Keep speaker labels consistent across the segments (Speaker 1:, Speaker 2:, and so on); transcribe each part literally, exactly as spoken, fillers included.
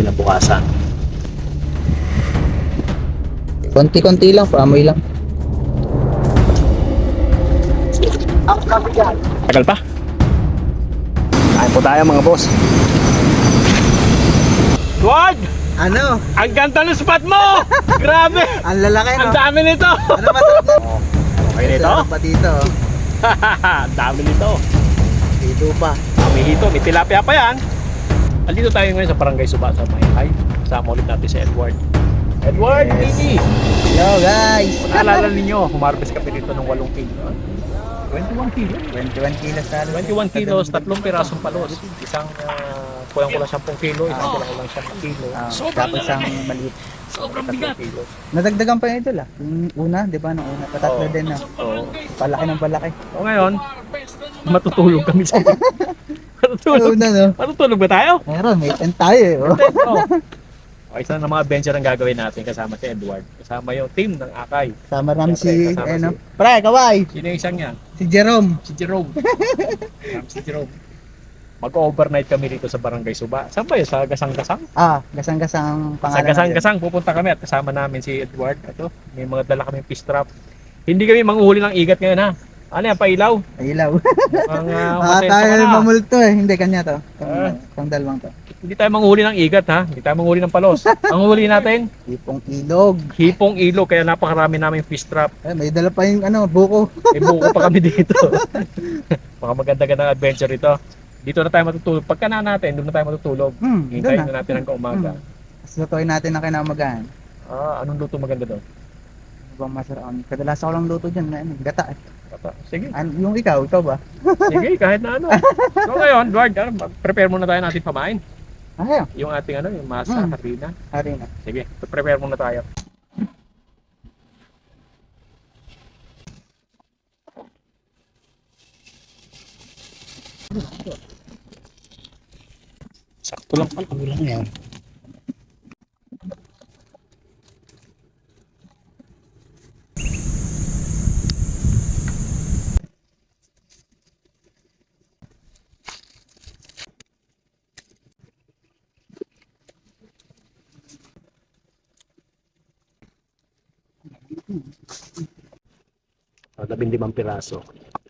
Speaker 1: kinabukasan.
Speaker 2: Konti-konti lang, paamoy lang.
Speaker 1: Tagal pa. Kain po tayo mga boss. Wag!
Speaker 2: Ano?
Speaker 1: Ang ganda ng spot mo! Grabe!
Speaker 2: Ang lalaki, no?
Speaker 1: Ang dami nito!
Speaker 2: Ano masarap na?
Speaker 1: Okay nito?
Speaker 2: Sarap pa dito.
Speaker 1: Ang dami nito.
Speaker 2: Dito pa.
Speaker 1: May hito, may tilapia pa yan. Andito tayo ngayon sa Barangay Suba sa Mayhay. Kasama ulit natin si Edward. Edward,
Speaker 2: Yes.
Speaker 1: Nini!
Speaker 2: Hello guys!
Speaker 1: Kung naalala ninyo, humarvest kami dito ng walong kilo. twenty-one kilos.
Speaker 2: twenty-one kilos talo.
Speaker 1: twenty-one kilos, tatlong pirasong palos. Isang uh, kulang kulang ten kilo, isang kulang kulang ten kilo.
Speaker 2: Ah, tapos ang maliit.
Speaker 1: Sobrang bigat. Kilo.
Speaker 2: Nadagdagan pa yung idol ah. Yung una, di ba? Nung una, patatlo
Speaker 1: Oo.
Speaker 2: din ah.
Speaker 1: Oo.
Speaker 2: Palaki ng palaki.
Speaker 1: O ngayon, matutulog kami sa matutulog.
Speaker 2: Una no?
Speaker 1: Matutulog ba tayo?
Speaker 2: Meron, may tent tayo eh. Oh.
Speaker 1: Oo. Okay, isa na mga adventure ang gagawin natin kasama si Edward. Kasama yung team ng Akay.
Speaker 2: Sama namin si,
Speaker 1: Siyempre, kasama
Speaker 2: ano.
Speaker 1: si-
Speaker 2: Pre, kaway!
Speaker 1: Sino yung isang niya?
Speaker 2: Si Jerome.
Speaker 1: Si Jerome. Kasama si Jerome. Mag-overnight kami dito sa Barangay Suba. Saan ba yun? Sa Gasang-Gasang?
Speaker 2: Ah, gasang-gasang
Speaker 1: Sa
Speaker 2: pangalan. na
Speaker 1: Gasang-Gasang pupunta kami at kasama namin si Edward. Ito, may mga dala kaming fish trap. Hindi kami manguhuli ng igat ngayon ha. Ano yan, pailaw?
Speaker 2: yun. Ilaw.
Speaker 1: Ang uh,
Speaker 2: Ah, tayo mamulto eh. Hindi, kanya to. Itong,
Speaker 1: Ah.
Speaker 2: itong dalawang to.
Speaker 1: Hindi tayo manguhuli ng igat ha. Hindi tayo manguhuli ng palos. Ang huli natin,
Speaker 2: Ipong ilog.
Speaker 1: hipong ilog. Kaya napakarami namin fish trap.
Speaker 2: Eh, may dala pa yung ano, buko.
Speaker 1: May buko pa kami dito. Baka maganda-ganda adventure ito. Dito na tayo matutulog. Pagka na natin, doon na tayo matutulog.
Speaker 2: Hmm,
Speaker 1: Hintayin
Speaker 2: doon
Speaker 1: na natin hanggang umaga.
Speaker 2: Tapos lutuin natin na kinamagaan.
Speaker 1: Ah, anong luto maganda doon?
Speaker 2: Ano bang masarap? Ang Kadalasan ko lang luto dyan na ano, gata eh.
Speaker 1: Pata. Sige.
Speaker 2: An yung ikaw, ikaw ba?
Speaker 1: Sige, kahit na ano. So ngayon, Edward, ano, prepare muna tayo natin pamain.
Speaker 2: Ayaw.
Speaker 1: Yung ating ano, yung masa,
Speaker 2: Hmm.
Speaker 1: harina.
Speaker 2: Hari na.
Speaker 1: Sige, prepare muna tayo. Sakto lang pala.
Speaker 2: Kulang yan.
Speaker 1: Uh, labing limang piraso.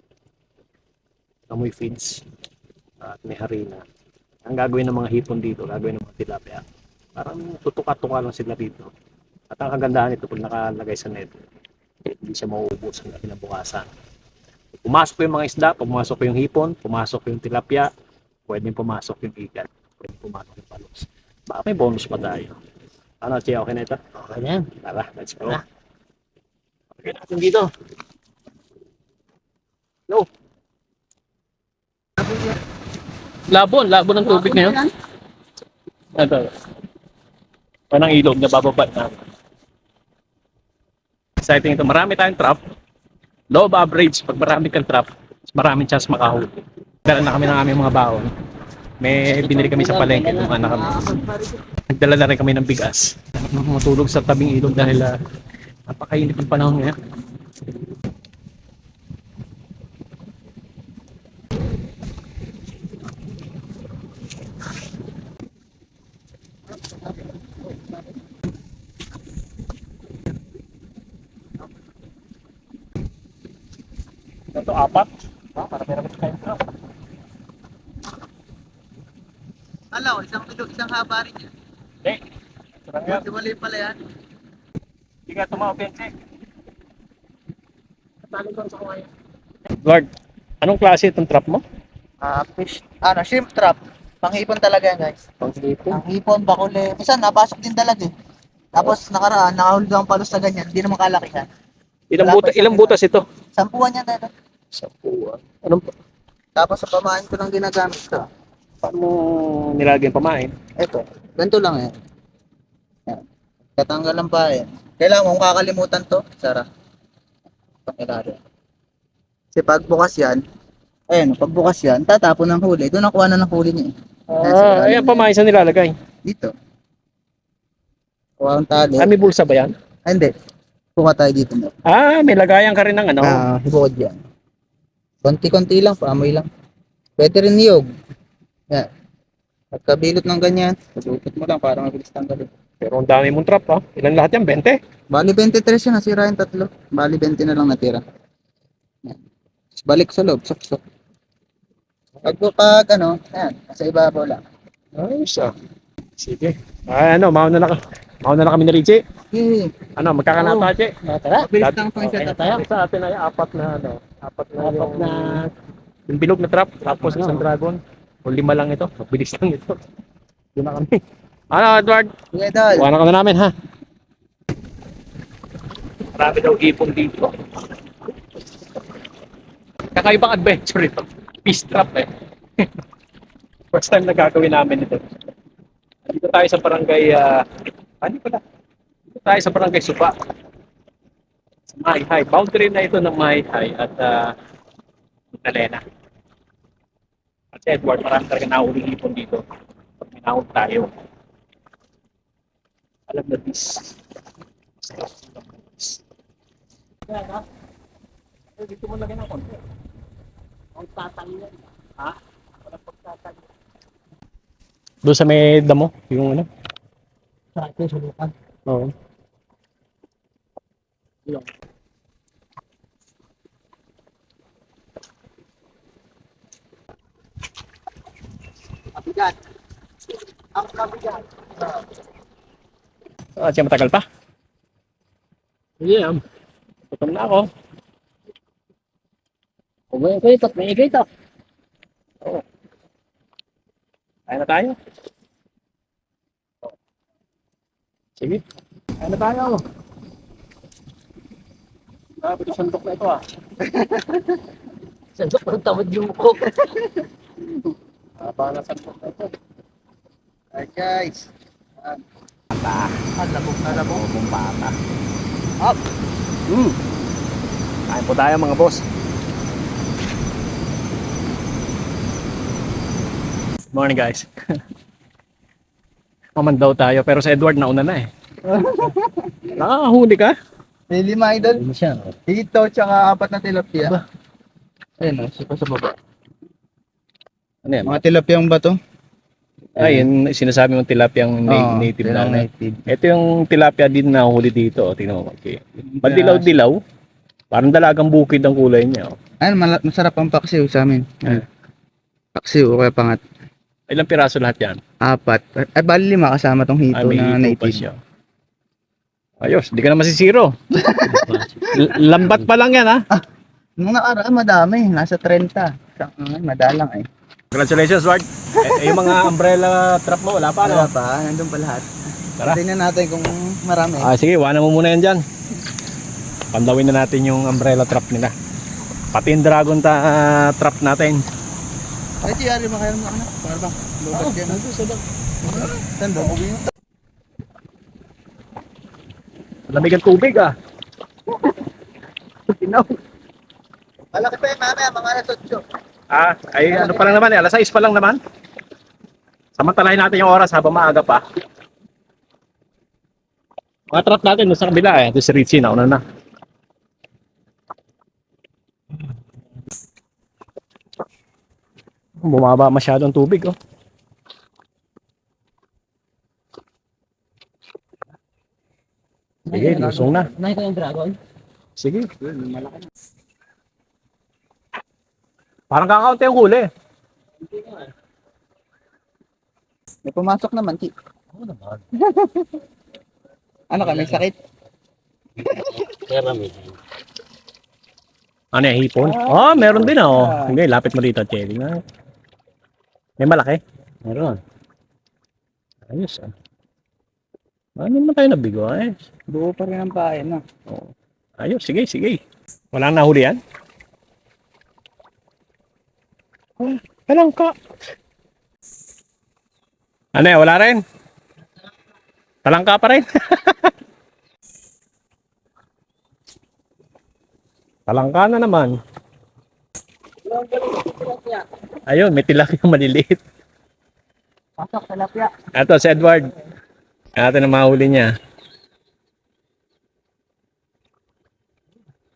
Speaker 1: Amoy feeds. At may harina. Ang gagawin ng mga hipon dito, gagawin ng mga tilapia. Parang tutuka-tuka lang sila dito. At ang kagandahan nito pag nakalagay sa net, hindi siya mauubos hanggang kinabukasan. Pumasok yung mga isda, pumasok yung hipon, pumasok yung tilapia, pwedeng pumasok yung igat, pwedeng pumasok yung palos. Baka may bonus pa tayo. Ano, Chia, okay na ito?
Speaker 2: Okay na yan.
Speaker 1: Tara, let's go. Okay natin dito. No. Labon, labon ng tubig ngayon. Ito. Panang ilog na bababa na. Exciting ito. Marami tayong trap. Low average. Pag marami kang trap, maraming chance makahuli. Dala na kami ng aming mga baon. May binili kami sa palengke nung anak kami. Nagdala na rin kami ng bigas. Matulog sa tabing ilog dahil uh, napakainit ng panahon ngayon. Ito apat. Ah, para meron kayo trap.
Speaker 2: Alaw, isang kilo, isang haba rin yan.
Speaker 1: Hindi. Sarang yan.
Speaker 2: Mali pala yan.
Speaker 1: Hindi ka tumawag, Benche. Talo ko sa kumain. Lord, anong klase itong trap mo?
Speaker 2: Ah, fish, ano, shrimp trap. Panghipon talaga yan guys.
Speaker 1: Pang-hipon.
Speaker 2: Ang hipon, bakuli. Minsan, napasok din talaga eh. Tapos nakaraan, nakahulog ang palos na ganyan. Hindi naman kalaki yan.
Speaker 1: Ilang,
Speaker 2: Wala
Speaker 1: buta,
Speaker 2: pa
Speaker 1: ilang
Speaker 2: siya.
Speaker 1: butas ito?
Speaker 2: Sampuan yan dito.
Speaker 1: Sa puwan. Anong,
Speaker 2: Tapos sa pamain ko lang ginagamit ko.
Speaker 1: paano mo nilagyan pamain?
Speaker 2: Ito, ganito lang eh. Yan. Katanggalan pa eh. Kailangan kung kakalimutan to, Sara. Pangilari. Kasi pagbukas yan, ayun, pagbukas yan, tatapon ng huli. Doon nakuha na ng huli niya eh.
Speaker 1: Ah, ayan pamain sa nilalagay.
Speaker 2: Dito. Kuha ang tali.
Speaker 1: Ah, may bulsa ba yan?
Speaker 2: Ah, hindi. Kuha tayo dito mo.
Speaker 1: Ah, may lagayan ka rin ng ano.
Speaker 2: Ah, hibukod yan. Konti-konti lang, paamoy lang. Pwede rin niyog. Yan. Pagkabilot ng ganyan, pagupit mo lang para mabilis tanggalin.
Speaker 1: Pero ang dami mong trap ha. Ilan lahat yan? twenty?
Speaker 2: Bali twenty-three yun, nasira yung tatlo. Bali twenty na lang natira. Yan. Tapos balik sa loob, sok-sok. Pag, pag ano, ayan, nasa ibabaw lang.
Speaker 1: Ayos ah. Sige. Ay, ano, mauna na, ka- mauna na kami ni Richie.
Speaker 2: Okay.
Speaker 1: Ano, magkakanata, Che?
Speaker 2: Tara, mabilis lang pang
Speaker 1: Okay,
Speaker 2: set up.
Speaker 1: tayo. Sa atin ay apat na, ano, apat na apat yung, na... yung bilog na trap, tapos isang dragon. O lima lang ito. Bilis lang ito. Doon na kami. Ano, Edward?
Speaker 2: Sige, Dol.
Speaker 1: Buwan ka na namin, ha? Marami daw ipon dito. Kakaibang adventure ito. Peace trap eh. First time na gagawin namin ito. Dito tayo sa barangay, ah, ano pala? Dito tayo sa barangay Supa. Sa Mahihai. Boundary na ito ng Mahihai at uh, Magdalena. At si Edward, marami talaga nahuling ipon dito. Pag minahog tayo. Alam na this. Dito mo lagyan ng konti. Ang tatangin yan. Ha? Walang pagtatangin. Doon sa may damo, yung ano? Sa atin, sa lupan. Oo. Yung.
Speaker 2: Kabigat. Ang kabigat.
Speaker 1: Ah, siya matagal pa? Yeah. Gutom na ako. Kumain ko ito, may igay ito. Oo. Kaya na tayo. Sige. Kaya na tayo. Grabe ito sandok na ito ah. Sandok ng tawad yung mukho. Haba na sandok na ito.
Speaker 2: Alright, guys.
Speaker 1: Pata.
Speaker 2: Ah, labog na labog.
Speaker 1: Labog pata.
Speaker 2: Up.
Speaker 1: Hmm. Kain po tayo mga boss. Morning guys. Maman daw tayo pero sa Edward nauna na eh. Nakakahuli ka?
Speaker 2: May lima idol.
Speaker 1: Hindi siya.
Speaker 2: Dito, tsaka apat na tilapia. Ayun, oh, sika sa baba.
Speaker 1: Ano yan?
Speaker 2: Mga tilapiyang bato.
Speaker 1: Ay, yun sinasabi mong tilapiyang na-
Speaker 2: Oo,
Speaker 1: native
Speaker 2: yun ang
Speaker 1: lang.
Speaker 2: native.
Speaker 1: Ito yung tilapia din na huli dito. O, tingnan mo. Okay. Madilaw-dilaw. Parang dalagang bukid ang kulay niya. Oh.
Speaker 2: Ayun, mala- masarap ang paksiw sa amin. Ayun. Paksiw o kaya pangat.
Speaker 1: Ilang piraso lahat yan?
Speaker 2: Apat. Ay, bali lima kasama tong hito
Speaker 1: Ah, may
Speaker 2: na
Speaker 1: hito pa
Speaker 2: native.
Speaker 1: siya. Ayos, di ka na masisiro. L- lambat pa lang yan ha.
Speaker 2: Nung nakaraan, madami. Nasa thirty. Sa, uh, madalang eh.
Speaker 1: Congratulations, Ward. Eh, eh, yung mga umbrella trap mo, wala pa,
Speaker 2: Wala
Speaker 1: no?
Speaker 2: pa, nandun pa lahat.
Speaker 1: Tara.
Speaker 2: Tingnan natin kung marami.
Speaker 1: Ah, sige, iwanan mo muna yan dyan. Pandawin na natin yung umbrella trap nila. Pati yung dragon ta, ah, trap natin.
Speaker 2: Ay, G R, makaya mo ano? Para bang? Lubat yan. Saan ba?
Speaker 1: Lamig ang tubig ah. Tinaw.
Speaker 2: Malaki pa yan, mamaya, mga alas otso.
Speaker 1: Ah, ay ano pa lang naman eh, alas sais pa lang naman. Samantalahin natin yung oras habang maaga pa. Mga trap natin doon sa kabila eh. Doon si Richie, nauna na. Bumaba masyado ang tubig oh. Sige, lusong na.
Speaker 2: Nakita yung dragon?
Speaker 1: Sige. Parang kakaunti ang huli.
Speaker 2: May pumasok naman, Ki.
Speaker 1: Oo naman.
Speaker 2: Ano ka, may sakit?
Speaker 1: Ano yung hipon? Oh, meron din oh. Hindi, lapit mo dito, Chelly. May malaki? Meron. Ayos ah. Ano naman tayo nabigo eh?
Speaker 2: Buo pa rin ang bayan, no?
Speaker 1: Oh. Ayos, sige, sige. Walang nahuli yan? Oh, walang ka. Ano eh, wala rin? Talangka pa rin? Talangka na naman. Ayun, may tilapia maliliit.
Speaker 2: Pasok, tilapia.
Speaker 1: Ito, si Edward. Ito na mahuli niya.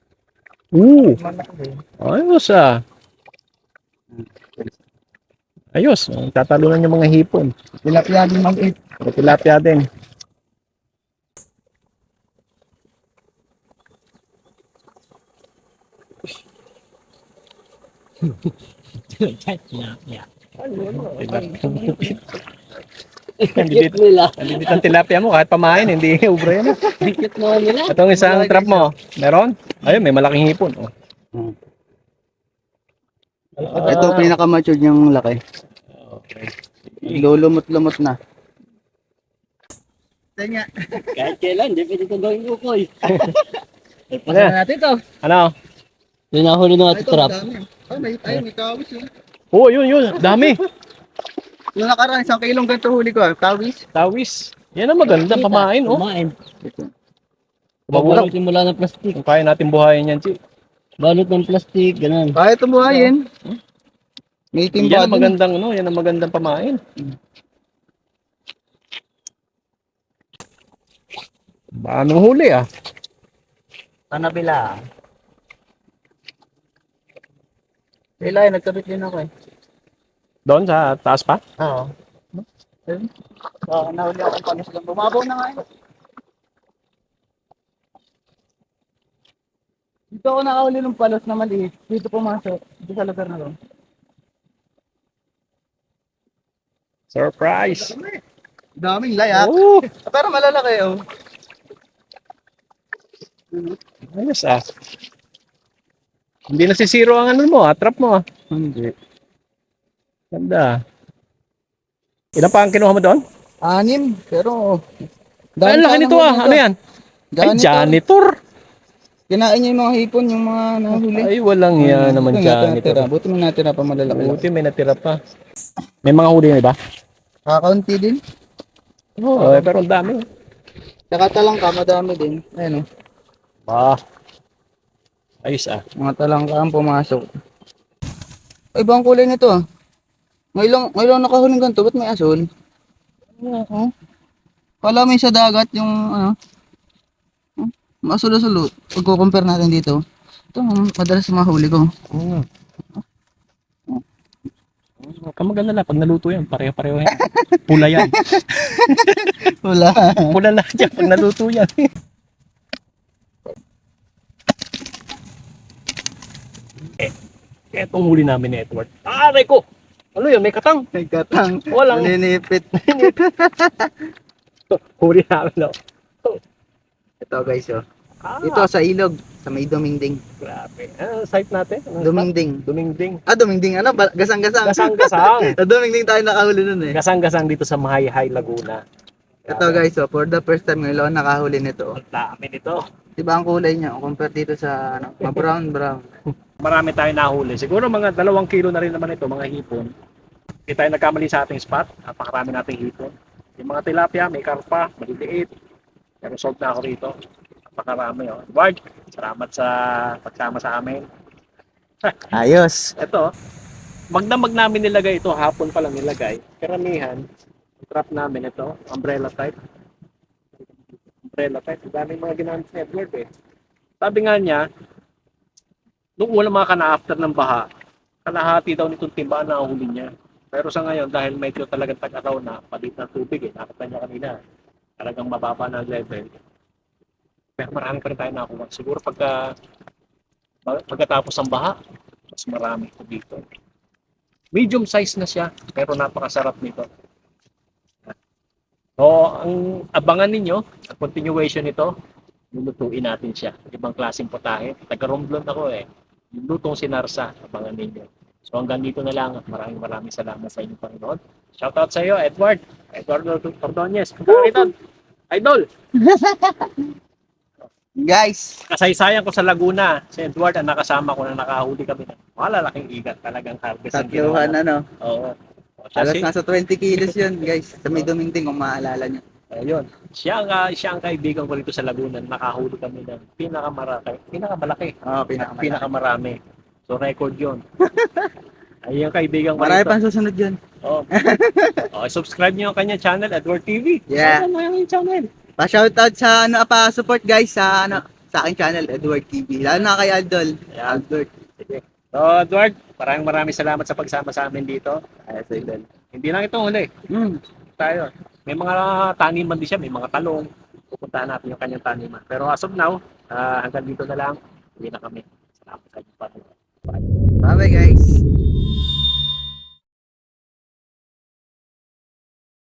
Speaker 1: Uh, ayos ah. Ayos, oh, tatalunan yung mga hipon.
Speaker 2: Tilapia din mag-eat.
Speaker 1: May tilapia din.
Speaker 3: Tilapia.
Speaker 1: Kalibit. Kalibit ang tilapia mo kahit pamain, hindi ubra yan.
Speaker 3: Dikit mo nila.
Speaker 1: Itong isang trap mo, meron? Ayun, may malaking hipon. Oh.
Speaker 2: Hmm.
Speaker 1: Ah,
Speaker 2: Ito pinaka-matured yung laki.
Speaker 1: okay.
Speaker 2: Lulumot-lumot na. Tanya.
Speaker 3: Kahit kailan, di pwede ito gawin ukoy.
Speaker 1: Ano?
Speaker 3: Pasa natin to.
Speaker 1: Ano?
Speaker 3: Yung nahuli ng ating trap.
Speaker 2: Oh, may, ay, may kawis yun.
Speaker 1: Oo, yun, yun. Dami.
Speaker 2: Yung nakaraan, isang kilong ganito huli ko. Kawis.
Speaker 1: Tawis. Yan ang maganda, pamain, oh.
Speaker 3: Pamain.
Speaker 1: Mabulang.
Speaker 3: Babalutin mula ng plastic.
Speaker 1: Kung kaya natin buhayin yan, Chi.
Speaker 3: Balot ng plastic, ganun.
Speaker 2: Kaya tumuhayin. May
Speaker 1: Yan
Speaker 2: timba
Speaker 1: ang magandang, ano, yan ang magandang pamain. Anong huli, ah?
Speaker 3: Panabila.
Speaker 2: Kailan, nagkabit din ako eh.
Speaker 1: Doon sa taas pa?
Speaker 2: Oo. So, nahuli ako ng panos lang. Bumabaw na nga yun. Dito ako nakahuli ng palos na maliit. Dito pumasok. Dito sa lugar na to.
Speaker 1: Surprise!
Speaker 2: Daming layak.
Speaker 1: Oh,
Speaker 2: Pero malalaki oh.
Speaker 1: ayos, ah. Hindi nasisiro ang ano mo, ah, trap mo, ah.
Speaker 2: Hindi.
Speaker 1: Ganda. Ilan pa ang kinuha mo doon?
Speaker 2: Anim. Pero...
Speaker 1: Ay, ang laki nito, ah. Ano yan? Ay, janitor.
Speaker 2: Kinain niya yung mga hipon, yung mga nahuli.
Speaker 1: Ay, walang yan naman janitor.
Speaker 2: Buti mo natira pa malalaki.
Speaker 1: Buti may natira pa. May mga huli na iba?
Speaker 2: Kakaunti din.
Speaker 1: Oo, oh, pero ang dami.
Speaker 2: Saka talangka, madami din. Ayun oh.
Speaker 1: Ah. Ayos, ah.
Speaker 2: Mga talangka ang pumasok. Ay, ibang kulay nito ah. Ngayon, ngayon nakahuling ganito, ba't may asul? Oo. Kala may sa dagat yung ano. Hmm, Masul-asul. Pag compare natin dito. Ito, madalas mahuli ko.
Speaker 1: Mm. Huwag kang mag-alala. Pag naluto yan, pareho-pareho yan. Pula yan.
Speaker 2: Wala.
Speaker 1: Pula lahat yan pag naluto yan. eh, etong huli namin ni Edward. Aray ko! Ano yun? May katang.
Speaker 2: May katang.
Speaker 1: Walang
Speaker 2: Naninipit.
Speaker 1: huli namin. Oh.
Speaker 2: Ito guys oh.
Speaker 1: Ah,
Speaker 2: Ito sa ilog. Sa may dumingding.
Speaker 1: grabe. Ano site natin? Anong
Speaker 2: Dumingding.
Speaker 1: spot? Dumingding.
Speaker 2: Ah, dumingding. Ano? Ba- Gasang-gasang.
Speaker 1: Gasang-gasang.
Speaker 2: Sa dumingding tayo nakahuli nun eh.
Speaker 1: Gasang-gasang dito sa Mahayhay, Laguna.
Speaker 2: Ito guys oh. For the first time ngayon ako nakahuli nito.
Speaker 1: Ang dami nito.
Speaker 2: Diba ang kulay niya? Compare dito sa ano, brown brown.
Speaker 1: Marami tayo nahuli. Siguro mga dalawang kilo na rin naman ito, mga hipon. Hindi tayo nagkamali sa ating spot. Napakarami nating hipon. Yung mga tilapia, may karpa, maliliit. Pero sold na ako rito. Napakarami. Oh. Edward, salamat sa pagsama sa amin.
Speaker 2: Ayos.
Speaker 1: Ito, magdamag namin nilagay ito. Hapon pa lang nilagay. Karamihan, trap namin ito. Umbrella type. Umbrella type. Ang daming mga ginamit ni Edward eh. Sabi nga niya, nung una mga kana-after ng baha, kalahati daw nitong timba na huli niya. Pero sa ngayon, dahil medyo talagang tag-araw na, palit ng tubig eh, nakita niya kanina, talagang mababa na ang level. Pero marami pa rin tayo nakuha. Siguro pagka, pagkatapos ng baha, mas marami ito dito. Medium size na siya, pero napakasarap nito. So, ang abangan ninyo, ang continuation nito, lulutuin natin siya. Ibang klaseng putahe. Taga-Romblon ako eh. Yung lutong sinarsa, abangan ninyo. So hanggang dito na lang. Maraming maraming salamat sa inyong Panginoon. Shoutout sa iyo, Edward. Edward Ordonez. Idol. Idol.
Speaker 2: Guys,
Speaker 1: Kasaysayan ko sa Laguna. Si Edward ang nakasama ko na nakahuli kami ng malalaking igat. Talagang harvest ang ginawa.
Speaker 2: tatluhan ano.
Speaker 1: Oo. O, siya,
Speaker 2: Halos
Speaker 1: si,
Speaker 2: nasa twenty kilos yun guys. Sa may dumingding kung maalala nyo.
Speaker 1: ayun. Siya ang, ah, siya ang kaibigan ko rito sa Laguna. Nakahuli kami ng pinakamalaki. Pinakamalaki.
Speaker 2: Oo,
Speaker 1: At
Speaker 2: pinakamalaki.
Speaker 1: pinakamarami. So record yun. Ay, yung kaibigan ko
Speaker 2: Marami
Speaker 1: rito.
Speaker 2: pang susunod yun.
Speaker 1: Oh. Okay, subscribe niyo ang kanya channel, Edward T V.
Speaker 2: Yeah.
Speaker 1: Ano yung channel?
Speaker 2: Pa-shoutout sa ano, pa-support guys sa ano, sa aking channel, Edward T V. Lalo na kay Aldol.
Speaker 1: Ayan.
Speaker 2: Albert.
Speaker 1: Sige. So, Edward, maraming maraming salamat sa pagsama sa amin dito.
Speaker 2: Ay, so yun.
Speaker 1: Hindi lang ito huli.
Speaker 2: Hmm.
Speaker 1: Tayo. May mga taniman din siya, may mga talong. Pupuntahan natin yung kanyang taniman. Pero as of now, ah, hanggang dito na lang. Hindi na kami. Salamat sa inyo.
Speaker 2: Bye-bye guys.